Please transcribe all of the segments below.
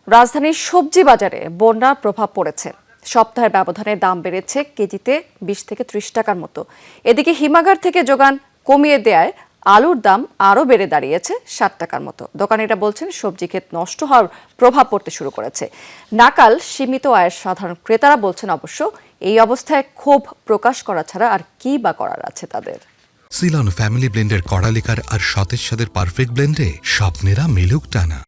রাজধানীর সবজি বাজারে বন্যার প্রভাব পড়েছে। সপ্তাহের ব্যবধানে দাম বেড়েছে কেজিতে 20 থেকে 30 টাকার মতো। এদিকে হিমাগার থেকে যোগান কমিয়ে দেয়ায় আলুর দাম আরও বেড়ে দাঁড়িয়েছে 60 টাকার মতো। দোকানিরা বলছেন সবজি ক্ষেত নষ্ট হওয়ার প্রভাব পড়তে শুরু করেছে। নাকাল সীমিত আয়ের সাধারণ ক্রেতারা বলছেন অবশ্য এই অবস্থায় ক্ষোভ প্রকাশ করা ছাড়া আর কি বা করার আছে তাদের। সিলন ফ্যামিলি ব্লেন্ডের কড়ালিকার আর সতেজ স্বাদের পারফেক্ট ব্লেন্ডে স্বপ্নেরা মেলুক টানা।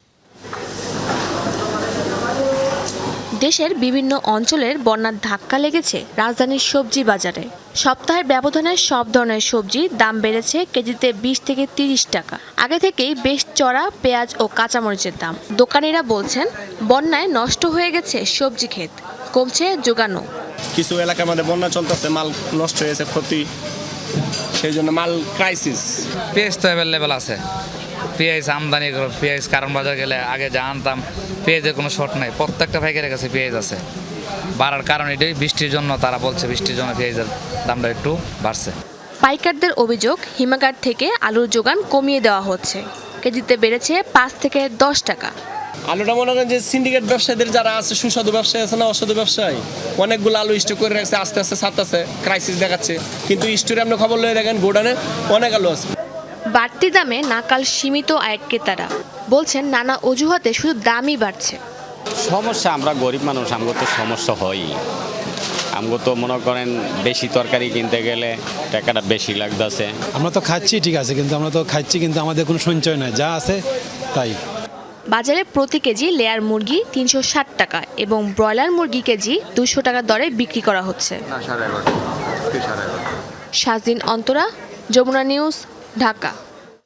দেশের বিভিন্ন অঞ্চলের বন্যার ধাক্কা লেগেছে রাজধানীর সবজি বাজারে। সপ্তাহের ব্যবধানে সব ধরনের সবজির দাম বেড়েছে কেজিতে 20 থেকে 30 টাকা। আগে থেকেই বেশ চড়া পেঁয়াজ ও কাঁচামরিচের দাম। দোকানিরা বলছেন বন্যায় নষ্ট হয়ে গেছে সবজি ক্ষেত, কমছে যোগানও। কিছু এলাকার মধ্যে বন্যা চলতেছে, মাল নষ্ট হয়েছে, ক্ষতি, সেই জন্য মাল ক্রাইসিস। পেঁয়াজ তো অ্যাভেলেবেল আছে, পেঁয়াজ আমদানি পেঁয়াজ কারণ বাজার গেলে আগে যা আনতাম পেঁয়াজের কোনো শর্ট নাই, প্রত্যেকটা পাইকারের কাছে পেঁয়াজ আছে। বাড়ার কারণ এটাই বৃষ্টির জন্য, তারা বলছে বৃষ্টির জন্য পেঁয়াজের দামটা একটু বাড়ছে। পাইকারদের অভিযোগ হিমাগার থেকে আলুর যোগান কমিয়ে দেওয়া হচ্ছে, কেজিতে বেড়েছে 5 থেকে 10 টাকা। আলুটা মনে করেন যে সিন্ডিকেট ব্যবসায়ীদের যারা আছে, সুস্বাদু ব্যবসায়ী আছে না, অসাধু ব্যবসায়ী, অনেকগুলো আলু স্টোর করে রাখছে, আস্তে আস্তে ছাড়তেছে, ক্রাইসিস দেখাচ্ছে। কিন্তু স্টোরে আপনি খবর লয়ে দেখেন গোডানে অনেক আলু আছে। বাড়তি দামে নাকাল সীমিত আয়ের ক্রেতারা বলছেন নানা অজুহাতে শুধু দামই বাড়ছে। সমস্যা, আমরা গরিব মানুষ, আমগো তো সমস্যা হয়ই। আমগো তো মনে করেন বেশি তরকারি কিনতে গেলে টাকাটা বেশি লাগতেছে। আমরা তো খাচ্ছি ঠিক আছে, কিন্তু আমাদের কোনো সঞ্চয় নাই, যা আছে তাই। বাজারে প্রতি কেজি লেয়ার মুরগি 360 টাকা এবং ব্রয়লার মুরগি কেজি 200 টাকা দরে বিক্রি করা হচ্ছে। শাহজিন অন্তরা, যমুনা নিউজ, ঢাকা।